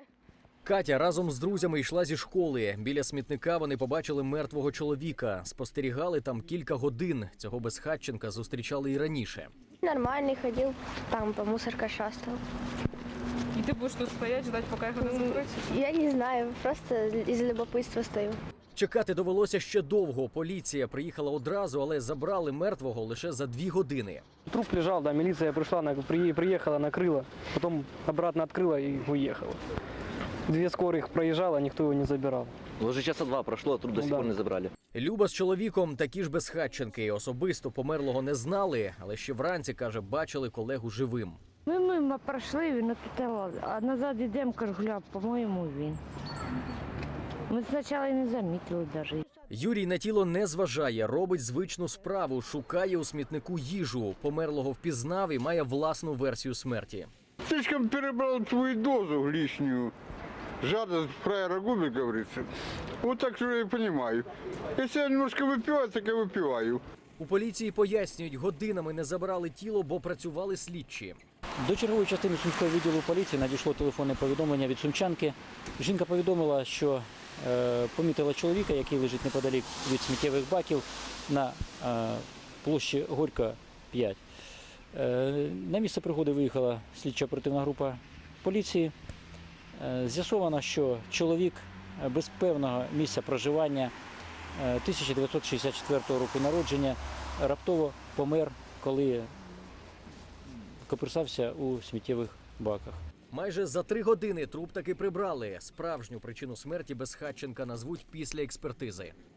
Катя разом з друзями йшла зі школи. Біля смітника вони побачили мертвого чоловіка. Спостерігали там кілька годин. Цього безхатченка зустрічали і раніше. Нормальный, ходил, там по мусорке шастал. И ты будешь тут стоять, ждать, пока их это закроют? Я не знаю, просто из любопытства стою. Чекати довелося ще довго. Поліція приїхала одразу, але забрали мертвого лише за 2 години. Труп лежал, да, милиция пришла, приехала, накрыла, потом обратно открыла и уехала. 2 скорых проезжало, никто его не забирал. Уже часа 2 прошло, а труп до сих пор не забрали. Люба з чоловіком такі ж безхатченки. Особисто померлого не знали, але ще вранці, каже, бачили колегу живим. Ми мимо пройшли, він тут лазив, а назад йдемо, кажу, гля, по-моєму, він. Ми спочатку і не замітили навіть. Юрій на тіло не зважає, робить звичну справу, шукає у смітнику їжу. Померлого впізнав і має власну версію смерті. Слишком перебрал свою дозу лишнюю. Жадность фраера губит, говорится. Вот так что я и понимаю. Если я немножко выпиваю, так я выпиваю. У поліції пояснюють, годинами не забирали тіло, бо працювали слідчі. До чергової частини Сумського відділу поліції надійшло телефонне повідомлення від сумчанки. Жінка повідомила, що помітила чоловіка, який лежить неподалік від сміттєвих баків на площі Горька, 5. На місце пригоди виїхала слідчо-оперативна група поліції. З'ясовано, що чоловік без певного місця проживання 1964 року народження раптово помер, коли копирсався у сміттєвих баках. Майже за 3 години труп таки прибрали. Справжню причину смерті безхатченка назвуть після експертизи.